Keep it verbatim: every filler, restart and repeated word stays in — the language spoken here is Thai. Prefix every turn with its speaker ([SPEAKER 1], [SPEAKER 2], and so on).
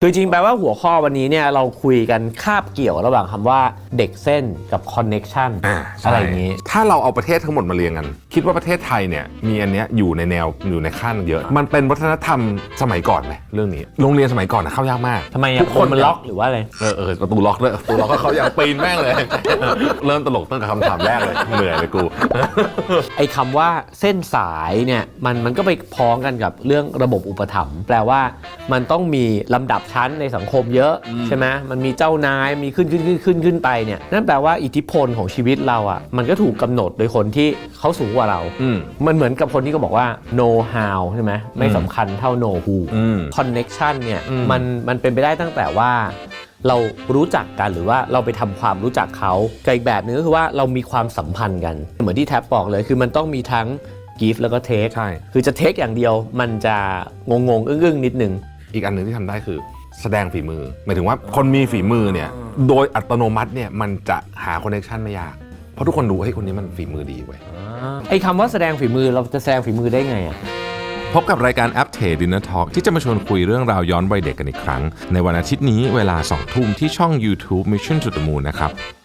[SPEAKER 1] คือจริงแปลว่าหัวข้อวันนี้เนี่ยเราคุยกันคาบเกี่ยวระหว่างคำว่าเด็กเส้นกับคอนเน็กชัน
[SPEAKER 2] อ่า
[SPEAKER 1] อะไรอย่างนี้
[SPEAKER 2] ถ้าเราเอาประเทศทั้งหมดมาเรียงกันคิดว่าประเทศไทยเนี่ยมีอันเนี้ยอยู่ในแนวอยู่ในขั้นเยอะมันเป็นวัฒนธรรมสมัยก่อนไหมเรื่องนี้โรงเรียนสมัยก่อนนะเข้ายากมาก
[SPEAKER 1] ทำไมทุกคนมันล็อกหรือว่าอะไร
[SPEAKER 2] เออเออประตูล็อกด้วยประตูล็อกก็เขาอยากปีนแม่งเลย เริ่มตลกตั้งแต่คำถามแรกเลยเหนื่อยเลยกู
[SPEAKER 1] ไอ้คำว่าเส้นสายเนี่ยมันมันก็ไปพ้องกันกับเรื่องระบบอุปถัมภ์แปลว่ามันต้องมีลำดับชั้นในสังคมเยอะใช่ไหมมันมีเจ้านายมีขึ้นขึ้นขึ้นขึ้นขึ้นไปเนี่ยนั่นแปลว่าอิทธิพลของชีวิตเราอ่ะมันก็ถูกกำหนดโดยคนที่เขาสูงกว่าเรามันเหมือนกับคนที่เขาบอกว่า know how ใช่ไหมไม่สำคัญเท่า know who connection เนี่ยมันมันเป็นไปได้ตั้งแต่ว่าเรารู้จักกันหรือว่าเราไปทำความรู้จักเขากับอีกแบบนึงก็คือว่าเรามีความสัมพันธ์กันเหมือนที่แท็บบอกเลยคือมันต้องมีทั้ง give แล้วก็ take
[SPEAKER 2] ใช่
[SPEAKER 1] คือจะ take อย่างเดียวมันจะงงงอึ้งๆนิดนึง
[SPEAKER 2] อีกอันหนึ่งที่ทำได้คือแสดงฝีมือหมายถึงว่าคนมีฝีมือเนี่ยโดยอัตโนมัติเนี่ยมันจะหาคอนเนคชันไม่ยากเพราะทุกคนรู้เฮ้ยคนนี้มันฝีมือดีเว้ย
[SPEAKER 1] ไอ้คำว่าแสดงฝีมือเราจะแสดงฝีมือได้ไงอะ
[SPEAKER 3] พบกับรายการ Aptay Dinner Talk ที่จะมาชวนคุยเรื่องราวย้อนวัยเด็กกันอีกครั้งในวันอาทิตย์นี้เวลาสองทุ่มที่ช่อง YouTube Mission to the Moon นะครับ